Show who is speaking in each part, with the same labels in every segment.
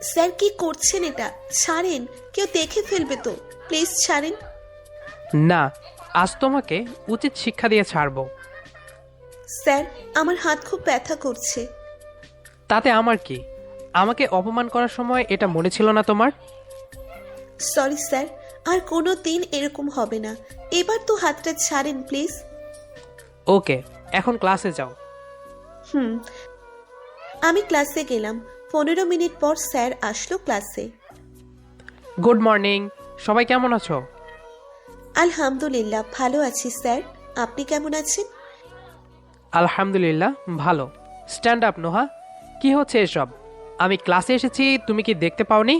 Speaker 1: Sir কি করছেন? এটা ছাড়েন, কেউ দেখে ফেলবে তো। প্লিজ ছাড়েন।
Speaker 2: না, আজ তোমাকে উচিত শিক্ষা দিয়ে ছাড়বো।
Speaker 1: স্যার, আমার হাত খুব ব্যথা করছে।
Speaker 2: তাতে আমার কি? আমাকে অপমান করার সময় এটা মনে ছিল না তোমার?
Speaker 1: সরি স্যার, আর কোনো দিন এরকম হবে না। এবার তো হাতটা ছাড়েন প্লিজ।
Speaker 2: ওকে, এখন ক্লাসে যাও।
Speaker 1: হুম। আমি ক্লাসে গেলাম। 15 মিনিট পর স্যার আসলো ক্লাসে।
Speaker 2: গুড মর্নিং, সবাই কেমন আছো?
Speaker 1: আলহামদুলিল্লাহ, ভালো আছি স্যার। আপনি কেমন আছেন?
Speaker 2: আলহামদুলিল্লাহ ভালো। স্ট্যান্ড আপ নোহা। কি হচ্ছে এসব? আমি ক্লাসে এসেছি, তুমি কি দেখতে পাওনি?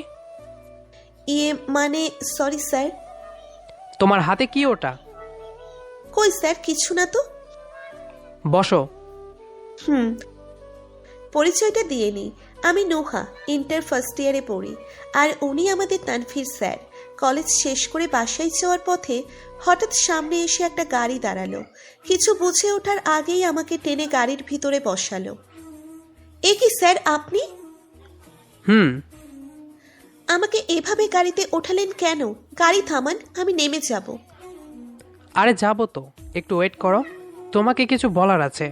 Speaker 1: মানে সরি স্যার।
Speaker 2: তোমার হাতে কি ওটা?
Speaker 1: কই স্যার, কিছু না তো।
Speaker 2: বসো।
Speaker 1: হুম। পরিচয়টা দিয়ে নিই। আমি নোহা, ইন্টার ফার্স্ট ইয়ারে পড়ি। আর উনি আমাদের তানভীর স্যার। কলেজ শেষ করে বাসায় যাওয়ার পথে হঠাৎ সামনে এসে একটা গাড়ি দাঁড়ালো। কিছু বুঝে ওঠার আগেই আমাকে টেনে গাড়ির ভিতরে বসালো। এ কি স্যার, আপনি?
Speaker 2: হুম।
Speaker 1: আমাকে এভাবে গাড়িতে ওঠালেন কেন? গাড়ি থামান, আমি নেমে যাব।
Speaker 2: আরে যাবো তো, একটু ওয়েট করো, তোমাকে কিছু বলার আছে।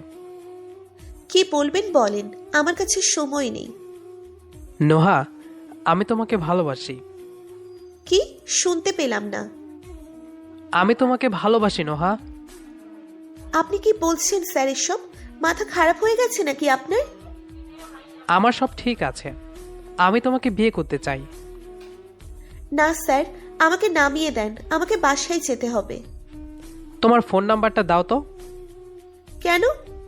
Speaker 1: কি বলবেন বলেন, আমার কাছে সময় নেই।
Speaker 2: নোহা, আমি তোমাকে ভালোবাসি।
Speaker 1: কি? শুনতে পেলাম না।
Speaker 2: আমি তোমাকে ভালোবাসি নোহা।
Speaker 1: আপনি কি বলছেন স্যার এসব? মাথা খারাপ হয়ে গেছে নাকি আপনার?
Speaker 2: আমার সব ঠিক আছে, আমি তোমাকে বিয়ে করতে চাই।
Speaker 1: না স্যার, আমাকে নামিয়ে দেন, আমাকে বাসায় যেতে হবে।
Speaker 2: তোমার ফোন নাম্বারটা দাও তো।
Speaker 1: কেন?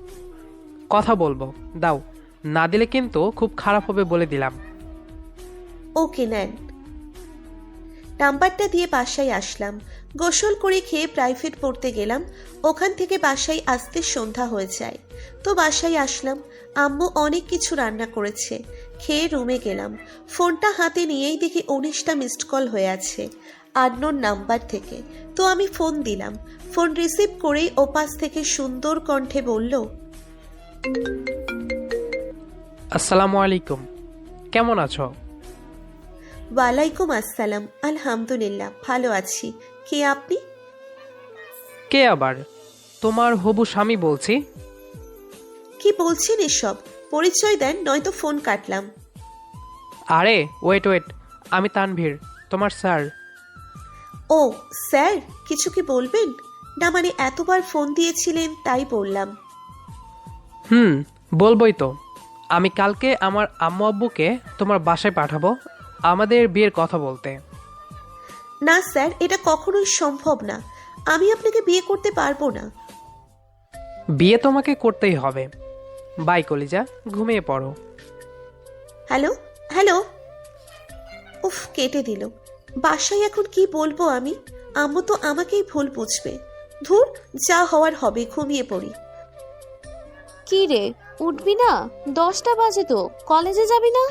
Speaker 2: কথা বলবো, দাও। না দিলে কিন্তু খুব খারাপ হবে বলে দিলাম।
Speaker 1: ওকে নেন। নাম্বারটা দিয়ে বাসায় আসলাম। গোসল করে খেয়ে প্রাইভেট পড়তে গেলাম। ওখান থেকে বাসায় আসতে সন্ধ্যা হয়ে যায়। তো বাসায় আসলাম। আম্মু অনেক কিছু রান্না করেছে। খেয়ে রুমে গেলাম। ফোনটা হাতে নিয়েই দেখি 19টা মিসড কল হয়ে আছে আননোন নাম্বার থেকে। তো আমি ফোন দিলাম। ফোন রিসিভ করেই ওপাশ থেকে সুন্দর কণ্ঠে বলল,
Speaker 2: আসসালামু আলাইকুম, কেমন আছো?
Speaker 1: ওয়ালাইকুম আসসালাম। আলহামদুলিল্লাহ, ভালো আছি। কে আপনি?
Speaker 2: কে আবার? তোমার হবু স্বামী বলছি।
Speaker 1: কি বলছেন এসব? পরিচয় দেন, নয়তো ফোন কাটলাম।
Speaker 2: আরে ওয়েট ওয়েট, আমি তানভীর, তোমার স্যার।
Speaker 1: ও স্যার, কিছু কি বলবেন? না মানে এতবার ফোন দিয়েছিলেন তাই বললাম।
Speaker 2: হুম, বলবোই তো। আমি কালকে আমার আম্মু আব্বুকে তোমার বাসায় পাঠাবো আমাদের বিয়ের কথা বলতে।
Speaker 1: না স্যার, এটা কখনোই সম্ভব না। আমি আপনাকে বিয়ে করতে পারবো না।
Speaker 2: বিয়ে তোমাকে করতেই হবে। বাই কলিজা, ঘুমিয়ে পড়ো।
Speaker 1: Hello hello. উফ, কেটে দিল। বাসায় এখন কি বলবো আমি? আম্মু তো আমাকেই ভুল বুঝবে। ধুর, যা হওয়ার হবে, ঘুমিয়ে পড়ি।
Speaker 3: কি রে, উঠবি না? 10টা বাজে তো, কলেজে যাবি না?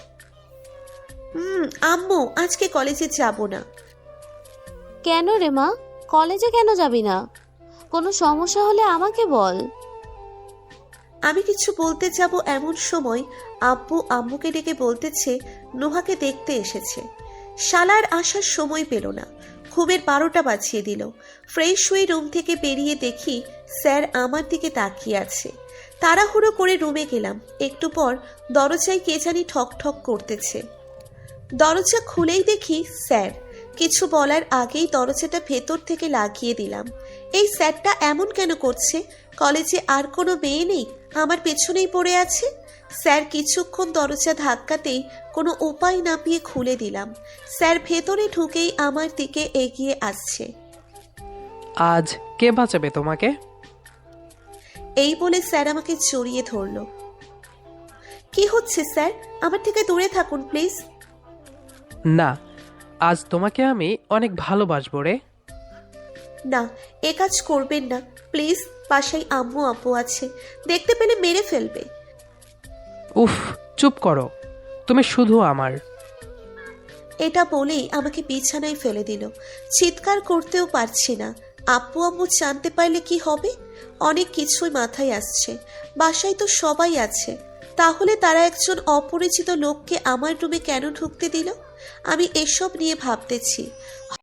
Speaker 1: আম্মু, আজকে কলেজে যাব না।
Speaker 3: কেন রে মা, কলেজে কেন যাবি না? কোনো সমস্যা হলে আমাকে বল।
Speaker 1: আমি কিছু বলতে যাব এমন সময় আব্বু আম্মুকে ডেকে বলতেছে নোহাকে দেখতে এসেছে। শালার আসার সময় পেল না। ঘুমের 12টা বাজিয়ে দিল। ফ্রেশ হয়ে রুম থেকে বেরিয়ে দেখি স্যার আমার দিকে তাকিয়ে আছে। তাড়াহুড়ো করে রুমে গেলাম। একটু পর দরজায় কে জানি ঠক ঠক করতেছে। দরজা খুলেই দেখি স্যার। কিছু বলার আগেই দরজাটা ভেতর থেকে লাগিয়ে দিলাম। এই স্যারটা এমন কেন করছে? কলেজে আর কোনো মেয়ে নেই, আমার পেছনেই পড়ে আছে। স্যার কিছুক্ষণ দরজা ধাক্কাতেই কোনো উপায় না পেয়ে খুলে দিলাম। স্যার ভেতরে ঢুকেই আমার দিকে এগিয়ে আসছে।
Speaker 2: আজ কে বাঁচাবে তোমাকে?
Speaker 1: এই বলে স্যার আমাকে জড়িয়ে ধরল। কি হচ্ছে স্যার? আমার থেকে দূরে থাকুন প্লিজ।
Speaker 2: না, আজ তোমাকে আমি অনেক ভালোবাসবো রে।
Speaker 1: না, এ কাজ করবেন না প্লিজ। বাসায় আম্মু আব্বু আছে, দেখতে পেলে মেরে ফেলবে।
Speaker 2: উফ, চুপ করো, তুমি শুধু আমার।
Speaker 1: এটা বলেই আমাকে বিছানায় ফেলে দিল। চিৎকার করতেও পারছি না। আব্বু আম্মু জানতে পারলে কি হবে? অনেক কিছুই মাথায় আসছে। বাসায় তো সবাই আছে, তাহলে তারা একজন অপরিচিত লোককে আমার রুমে কেন ঢুকতে দিল? আমি এসব নিয়ে ভাবতেছি।